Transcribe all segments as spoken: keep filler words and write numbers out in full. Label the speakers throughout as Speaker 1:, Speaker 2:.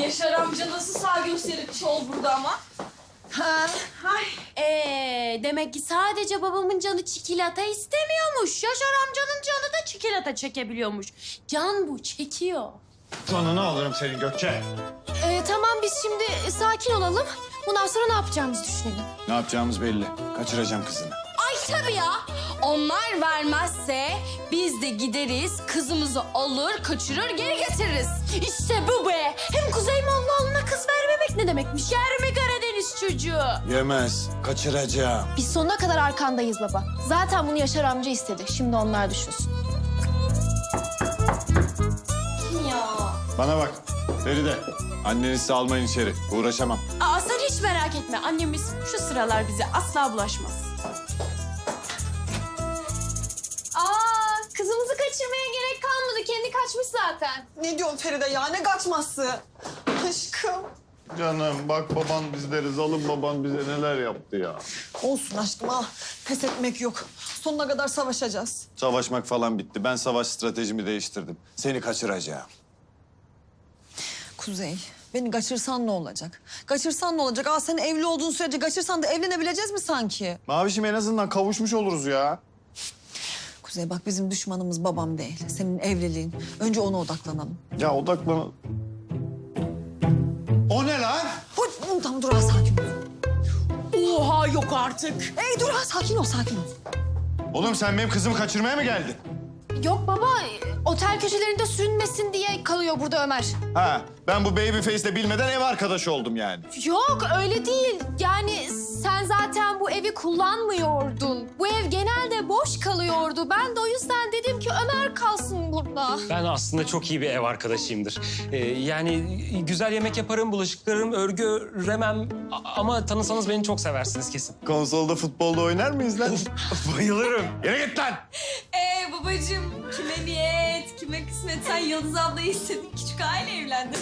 Speaker 1: Yaşar amca nasıl sağ gösterip ol burada ama?
Speaker 2: Ha.
Speaker 1: Ay.
Speaker 3: Ee, demek ki sadece babamın canı çikolata istemiyormuş. Yaşar amcanın canı da çikolata çekebiliyormuş. Can bu, çekiyor.
Speaker 4: Canını alırım senin Gökçe.
Speaker 3: Ee, tamam biz şimdi sakin olalım. Bundan sonra ne yapacağımızı düşünelim.
Speaker 4: Ne yapacağımız belli. Kaçıracağım kızını.
Speaker 3: Ay tabii ya. Onlar vermezse biz de gideriz, kızımızı alır, kaçırır, geri getiririz. İşte bu be. Hem Kuzey Mollaoğlu'na kız vermemek ne demekmiş? Yer mi Karadeniz çocuğu?
Speaker 4: Yemez. Kaçıracağım.
Speaker 2: Biz sonuna kadar arkandayız baba. Zaten bunu Yaşar amca istedi. Şimdi onlar düşünsün.
Speaker 3: Ya.
Speaker 4: Bana bak. Feride. Annenizi almayın içeri. Uğraşamam.
Speaker 3: Aa sen hiç merak etme. Annemiz şu sıralar bize asla bulaşmaz.
Speaker 2: Aa, kızımızı kaçırmaya gerek kalmadı. Kendi kaçmış zaten.
Speaker 5: Ne diyorsun Feride ya? Ne kaçması? Aşkım.
Speaker 4: Canım bak baban bizleri, zalim baban bize neler yaptı ya.
Speaker 5: Olsun aşkım al. Pes etmek yok. Sonuna kadar savaşacağız.
Speaker 4: Savaşmak falan bitti. Ben savaş stratejimi değiştirdim. Seni kaçıracağım.
Speaker 5: Kuzey, beni kaçırsan ne olacak? Kaçırsan ne olacak? Aa sen evli olduğun sürece kaçırsan da evlenebileceğiz mi sanki?
Speaker 4: Mavişim en azından kavuşmuş oluruz ya.
Speaker 5: Kuzey bak bizim düşmanımız babam değil. Senin evliliğin. Önce ona odaklanalım.
Speaker 4: Ya odaklan... O ne lan?
Speaker 5: Hop, tamam dur ha sakin ol.
Speaker 3: Oha yok artık.
Speaker 5: Ey dur ha sakin ol sakin ol.
Speaker 4: Oğlum sen benim kızımı kaçırmaya mı geldin?
Speaker 2: Yok baba, otel köşelerinde sürünmesin diye kalıyor burada Ömer.
Speaker 4: Ha, ben bu baby face'le bilmeden ev arkadaşı oldum yani.
Speaker 2: Yok öyle değil. Yani sen zaten bu evi kullanmıyordun. Bu ev genelde boş kalıyordu. Ben de o yüzden dedim ki Ömer kalsın burada.
Speaker 6: Ben aslında çok iyi bir ev arkadaşıyımdır. Ee, yani güzel yemek yaparım, bulaşıklarım, örgü öremem. A- ama tanısanız beni çok seversiniz kesin.
Speaker 4: Konsolda futbolda oynar mıyız lan?
Speaker 6: Bayılırım.
Speaker 4: Yere git lan!
Speaker 1: Ee babacığım kime niyet, kime kısmet sen Yıldız ablayı istedin. Küçük aile evlendin.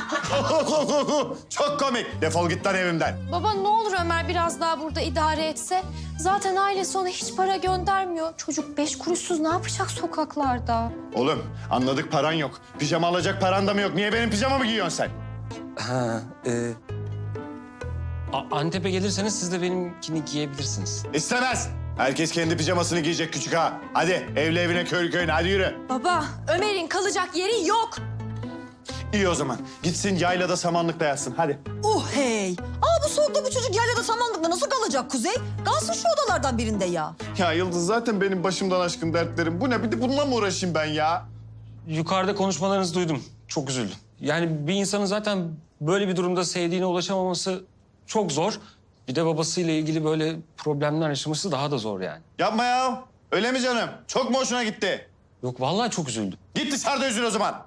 Speaker 4: Çok komik. Defol git lan evimden.
Speaker 2: Baba ne olur Ömer biraz daha burada idare etse. Zaten ailesi ona hiç para göndermiyor. Çocuk beş kuruşsuz ne yapacak sokaklarda?
Speaker 4: Oğlum anladık paran yok. Pijama alacak paran da mı yok? Niye benim pijamamı giyiyorsun sen?
Speaker 6: Ha, e... A- Antep'e gelirseniz siz de benimkini giyebilirsiniz.
Speaker 4: İstemez. Herkes kendi pijamasını giyecek küçük ha. Hadi evli evine köylü köyüne hadi yürü.
Speaker 3: Baba Ömer'in kalacak yeri yok.
Speaker 4: İyi o zaman. Gitsin yaylada samanlıkta yatsın hadi.
Speaker 5: Uh hey. Aa bu soğukta bu çocuk yaylada samanlıkta nasıl kalacak Kuzey? Kalsın şu odalardan birinde ya.
Speaker 4: Ya Yıldız zaten benim başımdan aşkın dertlerim. Bu ne? Bir de bununla mı uğraşayım ben ya?
Speaker 6: Yukarıda konuşmalarınızı duydum. Çok üzüldüm. Yani bir insanın zaten böyle bir durumda sevdiğine ulaşamaması çok zor. Bir de babasıyla ilgili böyle problemler yaşaması daha da zor yani.
Speaker 4: Yapma ya. Öyle mi canım? Çok mu hoşuna gitti?
Speaker 6: Yok vallahi çok üzüldüm.
Speaker 4: Git dışarıda üzül o zaman.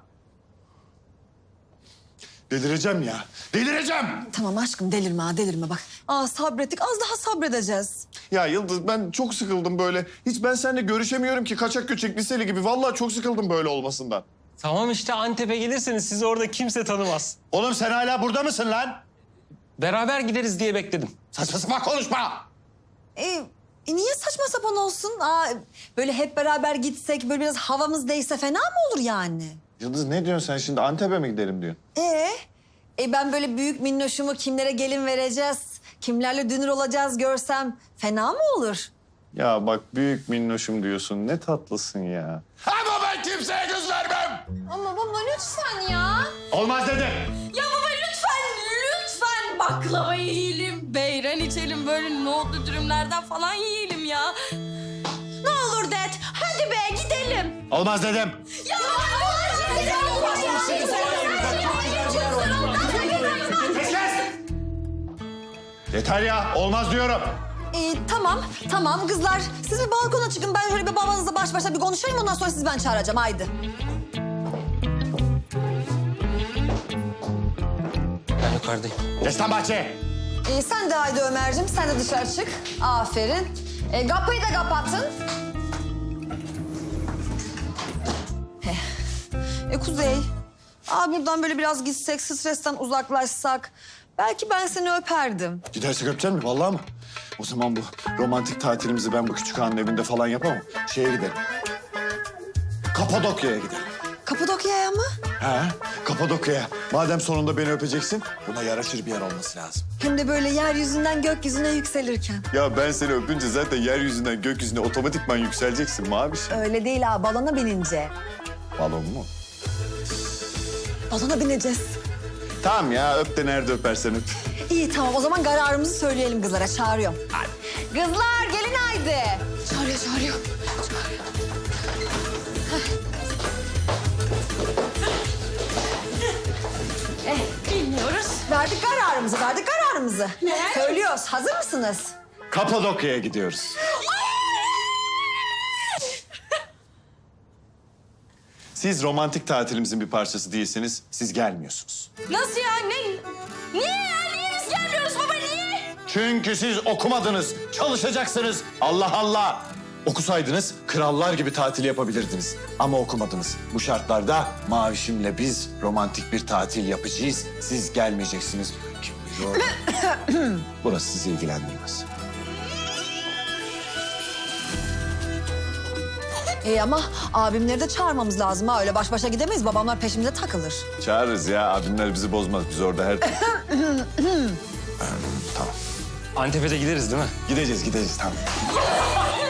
Speaker 4: Delireceğim ya. Delireceğim.
Speaker 5: Tamam aşkım delirme ha delirme bak. Aa sabrettik az daha sabredeceğiz.
Speaker 4: Ya Yıldız ben çok sıkıldım böyle. Hiç ben seninle görüşemiyorum ki kaçak göçek liseli gibi. Vallahi çok sıkıldım böyle olmasından.
Speaker 6: Tamam işte Antep'e gelirseniz sizi orada kimse tanımaz.
Speaker 4: Oğlum sen hala burada mısın lan?
Speaker 6: Beraber gideriz diye bekledim.
Speaker 4: Saçma sapan konuşma.
Speaker 5: E, e, niye saçma sapan olsun? Aa, böyle hep beraber gitsek böyle biraz havamız değse fena mı olur yani?
Speaker 4: Yıldız ne diyorsun sen şimdi? Antep'e mi gidelim diyorsun?
Speaker 5: Ee, e ben böyle büyük minnoşumu kimlere gelin vereceğiz, kimlerle dünür olacağız görsem fena mı olur?
Speaker 4: Ya bak büyük minnoşum diyorsun. Ne tatlısın ya. Ama ben kimseye göz vermem.
Speaker 2: Ama baba lütfen ya.
Speaker 4: Olmaz dedim.
Speaker 1: Ya baba lütfen, lütfen baklava yiyelim, beyran içelim, böyle nohutlu dürümlerden falan yiyelim ya. Ne olur det, hadi be gidelim.
Speaker 4: Olmaz dedim.
Speaker 1: Ya
Speaker 4: Yeter ya. Olmaz diyorum.
Speaker 5: Ee, tamam, tamam kızlar. Siz bir balkona çıkın. Ben şöyle bir babanızla baş başa bir konuşayım. Ondan sonra sizi ben çağıracağım. Haydi.
Speaker 6: Ben yukarıdayım.
Speaker 4: Geç lan bahçeye.
Speaker 5: Ee, sen de haydi Ömerciğim. Sen de dışarı çık. Aferin. Ee, kapıyı da kapatın. Heh. E, Kuzey. Aa, buradan böyle biraz gitsek, stresten uzaklaşsak. Belki ben seni öperdim.
Speaker 4: Gidersek öpecek mi? Vallahi mı? O zaman bu romantik tatilimizi ben bu küçük hanın evinde falan yapamam. Şeye gidelim. Kapadokya'ya gidelim.
Speaker 5: Kapadokya'ya mı?
Speaker 4: Ha? Kapadokya'ya. Madem sonunda beni öpeceksin, buna yaraşır bir yer olması lazım.
Speaker 5: Hem de böyle yeryüzünden gökyüzüne yükselirken.
Speaker 4: Ya ben seni öpünce zaten yeryüzünden gökyüzüne otomatikman yükseleceksin Maviş.
Speaker 5: Öyle değil ha, balona binince.
Speaker 4: Balon mu?
Speaker 5: Balona bineceğiz.
Speaker 4: Tamam ya, öp de nerede öpersen öp.
Speaker 5: İyi tamam, o zaman kararımızı söyleyelim kızlara. Çağırıyorum. Kızlar gelin haydi.
Speaker 2: Çağırıyor, çağırıyor.
Speaker 1: Bilmiyoruz.
Speaker 5: Verdik kararımızı, verdik kararımızı. Söylüyoruz. Hazır mısınız?
Speaker 4: Kapadokya'ya gidiyoruz. Siz romantik tatilimizin bir parçası değilseniz siz gelmiyorsunuz.
Speaker 1: Nasıl ya? Ne? Niye ya? Niye biz gelmiyoruz baba? Niye?
Speaker 4: Çünkü siz okumadınız, çalışacaksınız. Allah Allah! Okusaydınız krallar gibi tatil yapabilirdiniz. Ama okumadınız. Bu şartlarda Mavişim'le biz romantik bir tatil yapacağız. Siz gelmeyeceksiniz. Kim bilir? Burası sizi ilgilendirmez.
Speaker 5: İyi ama abimleri de çağırmamız lazım ha. Öyle baş başa gidemeyiz. Babamlar peşimize takılır.
Speaker 4: Çağırırız ya. Abimler bizi bozmaz. Biz orada her türlü... tamam.
Speaker 6: Antep'e de gideriz değil mi?
Speaker 4: Gideceğiz, gideceğiz. Tamam.